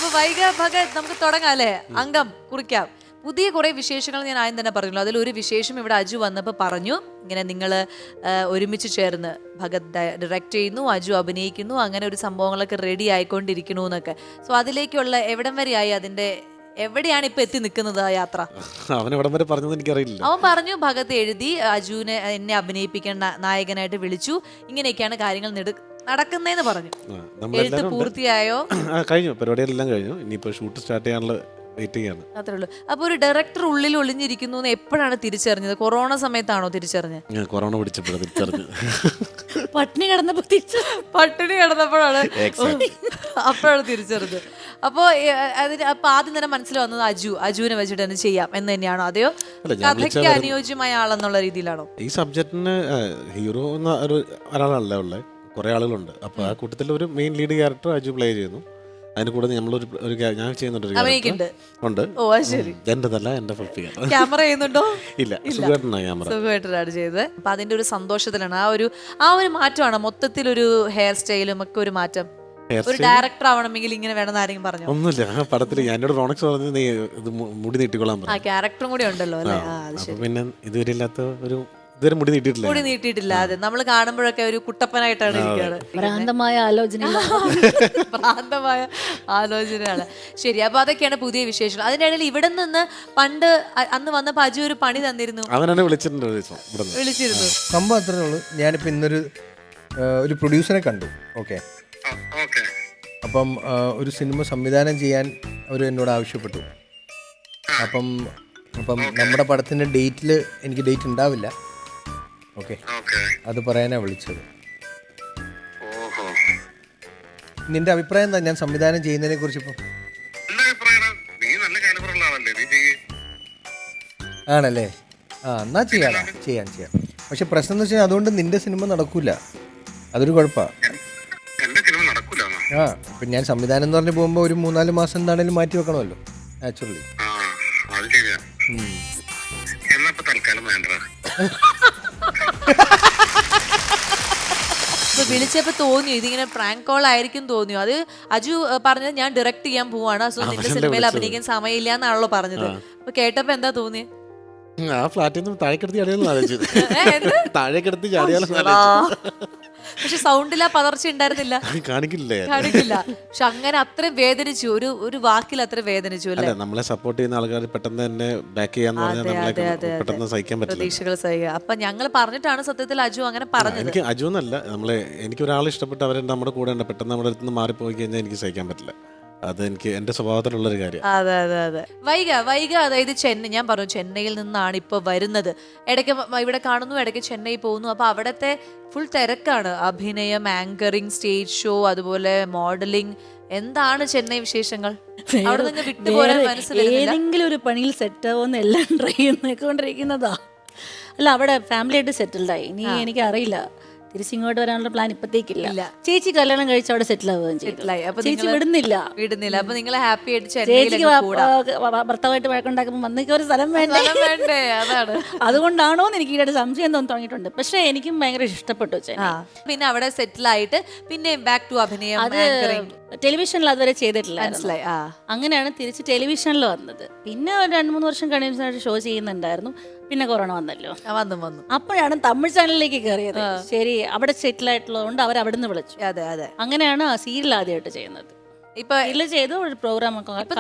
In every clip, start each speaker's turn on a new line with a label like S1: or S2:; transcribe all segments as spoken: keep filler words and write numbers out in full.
S1: വൈഗ ഭഗത് നമുക്ക് തുടങ്ങാം അല്ലേ? അംഗം കുറിക്കാം. പുതിയ കുറെ വിശേഷങ്ങൾ ഞാൻ ആദ്യം തന്നെ പറഞ്ഞല്ലോ. അതിലൊരു വിശേഷം ഇവിടെ അജു വന്നപ്പോൾ പറഞ്ഞു, ഇങ്ങനെ നിങ്ങൾ ഒരുമിച്ച് ചേർന്ന് ഭഗത് ഡയറക്റ്റ് ചെയ്യുന്നു, അജു അഭിനയിക്കുന്നു, അങ്ങനെ ഒരു സംഭവങ്ങളൊക്കെ റെഡി ആയിക്കൊണ്ടിരിക്കണു എന്നൊക്കെ. സോ അതിലേക്കുള്ള എവിടം വരെയായി, അതിന്റെ എവിടെയാണ് ഇപ്പൊ എത്തി നിൽക്കുന്നത് ആ യാത്ര?
S2: അവൻ എവിടം വരെ പറഞ്ഞത് എനിക്കറിയില്ല.
S1: അവൻ പറഞ്ഞു ഭഗത് എഴുതി, അജുവിനെ എന്നെ അഭിനയിപ്പിക്കാൻ നായകനായിട്ട് വിളിച്ചു, ഇങ്ങനെയൊക്കെയാണ് കാര്യങ്ങൾ നടക്കുന്നതെന്ന് പറഞ്ഞു. എഴുത്ത് പൂർത്തിയായോ?
S2: കഴിഞ്ഞു, പരിപാടികളെല്ലാം കഴിഞ്ഞു. ഇനിയിപ്പോ ഷൂട്ട് സ്റ്റാർട്ട് ചെയ്യാനുള്ള വെയിറ്റ് ചെയ്യാണ്.
S1: അത്രേ ഉള്ളൂ. അപ്പൊ ഒരു ഡയറക്ടർ ഉള്ളിൽ ഒളിഞ്ഞിരിക്കുന്നു എന്ന് എപ്പോഴാണ് തിരിച്ചറിഞ്ഞത്? കൊറോണ സമയത്താണോ തിരിച്ചറിഞ്ഞത്?
S2: കൊറോണ പിടിച്ചപ്പോഴാണ് തിരിച്ചറിഞ്ഞത്.
S3: പട്ടിണി കിടന്നപ്പോ
S1: പട്ടിണി കിടന്നപ്പോഴാണ് അപ്പോഴാണ് തിരിച്ചറിഞ്ഞത്. അപ്പോ അതിന് അപ്പൊ ആദ്യം തന്നെ മനസ്സിൽ വന്നത് അജു അജുവിനെ വെച്ചിട്ട് തന്നെ ചെയ്യാം എന്ന് തന്നെയാണോ, അതെയോ കഥയ്ക്ക് അനുയോജ്യമായ ആളെന്നുള്ള രീതിയിലാണോ?
S2: ഈ സബ്ജക്റ്റിന് ഹീറോ എന്ന ഒരു ഒരാളല്ല ഉള്ളത്, കുറെ ആളുകളുണ്ട്. അപ്പൊ ആ കൂട്ടത്തിൽ ഒരു main lead character Aju play ചെയ്യുന്നു. അതിന് കൂടെ നമ്മളൊരു ഞാൻ ചെയ്യുന്നുണ്ട് ഉണ്ട്.
S1: ഓ ശരി.
S2: എന്റേതല്ല, എന്റെ
S1: ക്യാമറ ചെയ്യുന്നുണ്ടോ?
S2: ഇല്ല, സുഖമായിട്ടാണ് ക്യാമറ.
S1: സുഖമായിട്ടാണ് ചെയ്തത്. അപ്പൊ അതിന്റെ ഒരു സന്തോഷത്തിലാണ്. ആ ഒരു ആ ഒരു മാറ്റമാണ് മൊത്തത്തിൽ, ഒരു ഹെയർ സ്റ്റൈലും ഒക്കെ ഒരു മാറ്റം. ഒരു ഡയറക്ടർ ആവണമെങ്കിൽ ഇങ്ങനെ വേണമെന്ന് ആരെങ്കിലും പറഞ്ഞു?
S2: ഒന്നുമില്ല, ആ പടത്തിൽ എന്നോട് റോണക്സ് പറഞ്ഞു നീ ഇത് മുടി നീട്ടിക്കൊള്ളാൻ പറഞ്ഞു.
S1: ആ ക്യാരക്ടറും കൂടി ഉണ്ടല്ലോ അല്ലേ?
S2: പിന്നെ ഇതുവരെ ഇല്ലാത്ത ഒരു ഇതുവരെ മുടി നീട്ടിയിട്ടില്ല.
S1: മുടി നീട്ടിയിട്ടില്ല. അതെ, നമ്മൾ കാണുമ്പോഴൊക്കെ ഒരു കുട്ടപ്പനായിട്ടാണ് ഇരിക്കുന്നത്.
S3: ഭ്രാന്തമായ ആലോചന
S1: ഭ്രാന്തമായ ആലോചനയാണ്. ശരി, അപ്പൊ അതൊക്കെയാണ് പുതിയ വിശേഷങ്ങൾ. അതിന്റെ ഇടയിൽ ഇവിടെ നിന്ന് പണ്ട് അന്ന് വന്നപ്പോ അജു ഒരു പണി തന്നിരുന്നു.
S2: അവനാണ് വിളിച്ചിട്ടുണ്ട്,
S1: വിളിച്ചിരുന്നു.
S4: സംഭവം അത്രേ ഉള്ളൂ. ഞാനിപ്പോ ഇന്നൊരു ഒരു പ്രൊഡ്യൂസറെ കണ്ടു. ഓക്കെ, അപ്പം ഒരു സിനിമ സംവിധാനം ചെയ്യാൻ അവർ എന്നോട് ആവശ്യപ്പെട്ടു. അപ്പം അപ്പം നമ്മുടെ പടത്തിൻ്റെ ഡേറ്റിൽ എനിക്ക് ഡേറ്റ് ഉണ്ടാവില്ല. ഓക്കെ, അത് പറയാനാണ് വിളിച്ചത്. നിന്റെ അഭിപ്രായം എന്താ ഞാൻ സംവിധാനം ചെയ്യുന്നതിനെ കുറിച്ച്? ഇപ്പം ആണല്ലേ? ആ, എന്നാ ചെയ്യാടാ, ചെയ്യാം ചെയ്യാം. പക്ഷെ പ്രശ്നം എന്ന് വെച്ചാൽ അതുകൊണ്ട് നിന്റെ സിനിമ നടക്കൂല, അതൊരു കുഴപ്പമാണ്. ആ, ഇപ്പം ഞാൻ സംവിധാനം എന്ന് പറഞ്ഞ് പോകുമ്പോൾ ഒരു മൂന്നാല് മാസം എന്താണേലും മാറ്റി വെക്കണമല്ലോ, നാച്ചുറലി.
S1: വിളിച്ചപ്പോ തോന്നിയോ ഇതിങ്ങനെ പ്രാങ്ക് കോൾ ആയിരിക്കും തോന്നിയോ? അത് അജു പറഞ്ഞത് ഞാൻ ഡയറക്ട് ചെയ്യാൻ പോവാണ്, സോ നിന്റെ സിനിമയിൽ അഭിനയിക്കാൻ സമയമില്ല എന്നാണല്ലോ പറഞ്ഞത്. അപ്പൊ കേട്ടപ്പോ എന്താ തോന്നിയ?
S2: ആ ഫ്ലാറ്റിൽ നിന്ന് താഴേക്കെടുത്ത് ചാടിയാലും താഴേക്കെടുത്ത് ചാടിയാലും.
S1: പക്ഷെ സൗണ്ടിൽ ആ പതർച്ച ഉണ്ടായിരുന്നില്ല,
S2: കാണിക്കില്ല
S1: കാണിക്കില്ല. പക്ഷെ അങ്ങനെ അത്രയും വേദനിച്ചു, ഒരു ഒരു വാക്കിൽ അത്ര വേദനിച്ചു അല്ലേ?
S2: നമ്മളെ സപ്പോർട്ട് ചെയ്യുന്ന ആൾക്കാർ പെട്ടെന്ന് തന്നെ ബാക്ക് ചെയ്യാന്ന് പറഞ്ഞാൽ പെട്ടെന്ന് സഹിക്കാൻ പറ്റില്ല, പ്രതീക്ഷകൾ
S1: സഹിക്കുക. അപ്പൊ ഞങ്ങൾ പറഞ്ഞിട്ടാണ് സത്യത്തിൽ അജു അങ്ങനെ പറഞ്ഞത്.
S2: എനിക്ക് അജു എന്നല്ല, നമ്മളെ എനിക്ക് ഒരാൾ ഇഷ്ടപ്പെട്ട് അവരെ നമ്മുടെ കൂടെ ഉണ്ട്, പെട്ടെന്ന് നമ്മുടെ അടുത്ത് നിന്ന് മാറിപ്പോയി കഴിഞ്ഞാൽ എനിക്ക് സഹിക്കാൻ പറ്റില്ല. അത് എനിക്ക് എന്റെ സ്വഭാവത്തിലുള്ളൊരു കാര്യം.
S1: അതെ അതെ അതെ. വൈഗ വൈഗ അതായത് ചെന്നൈ, ഞാൻ പറഞ്ഞു ചെന്നൈയിൽ നിന്നാണ് ഇപ്പൊ വരുന്നത്. ഇടയ്ക്ക് ഇവിടെ കാണുന്നു, ഇടയ്ക്ക് ചെന്നൈ പോകുന്നു. അപ്പൊ അവിടത്തെ ഫുൾ തിരക്കാണ്, അഭിനയം, ആങ്കറിങ്, സ്റ്റേജ് ഷോ, അതുപോലെ മോഡലിംഗ്. എന്താണ് ചെന്നൈ വിശേഷങ്ങൾ? അവിടെ നിന്ന് വിട്ടുപോരാൻ മനസ്സിലായി.
S3: ഏതെങ്കിലും ഒരു പണിയിൽ സെറ്റ് ആവുമെന്ന് എല്ലാം ട്രൈ ചെയ്തുകൊണ്ടിരിക്കുന്നതാ. അല്ല, അവിടെ ഫാമിലി ആയിട്ട് സെറ്റിൽഡായി. ഇനി എനിക്ക് അറിയില്ല, തിരിച്ചിങ്ങോട്ട് വരാനുള്ള പ്ലാൻ ഇപ്പത്തേക്കില്ല. ചേച്ചി കല്യാണം കഴിച്ച് അവിടെ സെറ്റിൽ ആവുകയും ചെയ്തു. ചേച്ചി വിടുന്നില്ല
S1: വിടുന്നില്ല അപ്പൊ നിങ്ങൾ ഹാപ്പി ആയിട്ട്
S3: ചേച്ചിക്ക് ഭർത്താവായിട്ട് വഴക്കുണ്ടാക്കുമ്പോൾ വന്നേക്ക് ഒരു സ്ഥലം വേണ്ടേ?
S1: അതാണ്.
S3: അതുകൊണ്ടാണോ എന്ന് എനിക്ക് ഈയിടെ സംശയം തോന്നി തുടങ്ങിയിട്ടുണ്ട്. പക്ഷെ എനിക്കും ഭയങ്കര ഇഷ്ടപ്പെട്ടു.
S1: പിന്നെ അവിടെ സെറ്റിൽ ആയിട്ട് പിന്നെ ബാക്ക് ടു അഭിനയം.
S3: അത് ടെലിവിഷനിൽ അതുവരെ ചെയ്തിട്ടില്ല, മനസ്സിലായി. അങ്ങനെയാണ് തിരിച്ച് ടെലിവിഷനിൽ വന്നത്. പിന്നെ ഒരു രണ്ട് മൂന്ന് വർഷം കണ്ടിന്യൂസ് ഷോ ചെയ്യുന്നുണ്ടായിരുന്നു. പിന്നെ കൊറോണ വന്നല്ലോ, വന്നു വന്നു അപ്പോഴാണ് തമിഴ് ചാനലിലേക്ക് കയറിയത്. ശരി, അവിടെ സെറ്റിൽ ആയിട്ടുള്ളതുകൊണ്ട് അവർ അവിടെ നിന്ന് വിളിച്ചു.
S1: അതെ അതെ.
S3: അങ്ങനെയാണ് സീരിയൽ ആദ്യമായിട്ട് ചെയ്യുന്നത്. ഇപ്പൊ ഇതിൽ ചെയ്ത ഒരു പ്രോഗ്രാം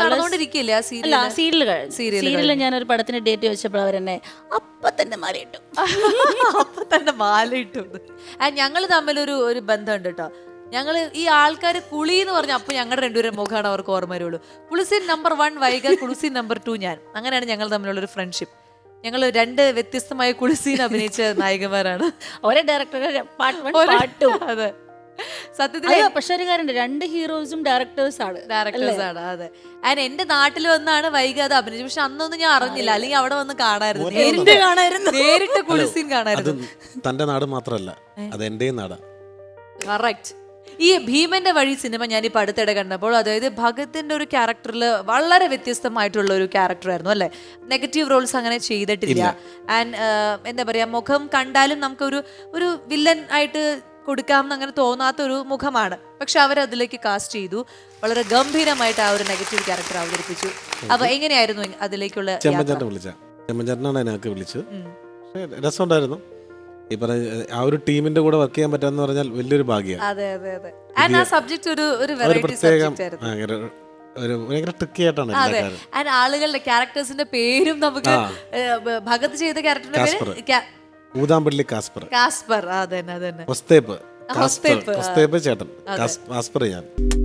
S3: സീരിയലിൽ ഞാനൊരു പടത്തിന് ഡേറ്റ് ചോദിച്ചപ്പോൾ അവരെന്നെ അപ്പൊ തന്നെ മാലയിട്ടു
S1: അപ്പൊ തന്നെ മാലയിട്ടു. ഞങ്ങൾ തമ്മിലൊരു ഒരു ബന്ധമുണ്ട് കേട്ടോ. ഞങ്ങൾ ഈ ആൾക്കാർ കുളി എന്ന് പറഞ്ഞ അപ്പൊ ഞങ്ങളുടെ രണ്ടുപേരും മുഖമാണ് അവർക്ക് ഓർമ്മ വരുള്ളൂ. Cousin number one Vaiga, cousin number two ഞാൻ. അങ്ങനെയാണ് ഞങ്ങൾ തമ്മിലുള്ള ഒരു ഫ്രണ്ട്ഷിപ്പ്. ഞങ്ങൾ രണ്ട് വ്യത്യസ്തമായ കുളിസീൻ അഭിനയിച്ച നായികമാരാണ്.
S3: ഒരേ ഡയറക്ടറുടെ പാട്ടും.
S1: അതെ, സത്യത്തിൽ
S3: പക്ഷെ ഒരു കാര്യമുണ്ട്, രണ്ട് ഹീറോസും ഡയറക്ടേഴ്സ് ആണ്
S1: ഡയറക്ടേഴ്സ് ആണ് അതെ. ആൻഡ് എന്റെ നാട്ടിൽ വന്നാണ് വൈഗ അത് അഭിനയിച്ചത്. പക്ഷെ അന്നൊന്നും ഞാൻ അറിഞ്ഞില്ല, അല്ലെങ്കിൽ അവിടെ വന്ന് കാണായിരുന്നു, നേരിട്ട് കാണായിരുന്നു, നേരിട്ട് കുളിസീൻ കാണായിരുന്നു.
S2: തന്റെ നാട് മാത്രല്ല, അത് എന്റെയും നാടാ.
S1: കറക്റ്റ്. ഈ ഭീമന്റെ വഴി സിനിമ ഞാൻ ഇപ്പൊ അടുത്തിടെ കണ്ടപ്പോൾ, അതായത് ഭഗത്തിന്റെ ഒരു ക്യാരക്ടറിൽ വളരെ വ്യത്യസ്തമായിട്ടുള്ള ഒരു ക്യാരക്ടറായിരുന്നു അല്ലെ? നെഗറ്റീവ് റോൾസ് അങ്ങനെ ചെയ്തിട്ടില്ല. ആൻഡ് എന്താ പറയാ, മുഖം കണ്ടാലും നമുക്കൊരു ഒരു വില്ലൻ ആയിട്ട് കൊടുക്കാമെന്ന് അങ്ങനെ തോന്നാത്ത ഒരു മുഖമാണ്. പക്ഷെ അവരതിലേക്ക് കാസ്റ്റ് ചെയ്തു, വളരെ ഗംഭീരമായിട്ട് ആ ഒരു നെഗറ്റീവ് ക്യാരക്ടർ അവതരിപ്പിച്ചു. അപ്പൊ എങ്ങനെയായിരുന്നു അതിലേക്കുള്ള
S2: ചെമ്മഞ്ചേട്ടനെ വിളിച്ച ചെമ്മഞ്ചേട്ടനാണ് അതിനൊക്കെ വിളിച്ചത്. പക്ഷേ രസമുണ്ടായിരുന്നു. ഈ പറഞ്ഞ ആ ഒരു ടീമിന്റെ കൂടെ വർക്ക് ചെയ്യാൻ പറ്റാന്ന് പറഞ്ഞാൽ വലിയൊരു ഭാഗ്യമാണ്.
S1: അതെ അതെ അതെ. ആൻഡ് ആ സബ്ജക്ട് ഒരു ഒരു
S2: ഒരു
S1: വെറൈറ്റി
S2: പ്രത്യേകം
S1: സബ്ജക്റ്റ് ആയിരുന്നു.
S2: ഭയങ്കര ഒരു ഭയങ്കര ട്രിക്കി ആയിട്ടാണ് എല്ലാ
S1: അതെ.
S2: കാര്യം.
S1: ആൻഡ് ആളുകളുടെ ക്യാരക്ടേഴ്സിന്റെ പേരും നമുക്ക് ഭഗത് ചെയ്ത ക്യാരക്ടറിന്റെ
S2: കാസ്പർ.
S1: പേര് ക്യാ-
S2: ഊതാമ്പള്ളി കാസ്പർ,
S1: കാസ്പർ. അതന്നെ അതന്നെ.
S2: ഒസ്തേപ്പ്
S1: ഒസ്തേപ്പ്.
S2: ഒസ്തേപ്പ് ചേട്ടൻ, കാസ്പർ ഞാൻ.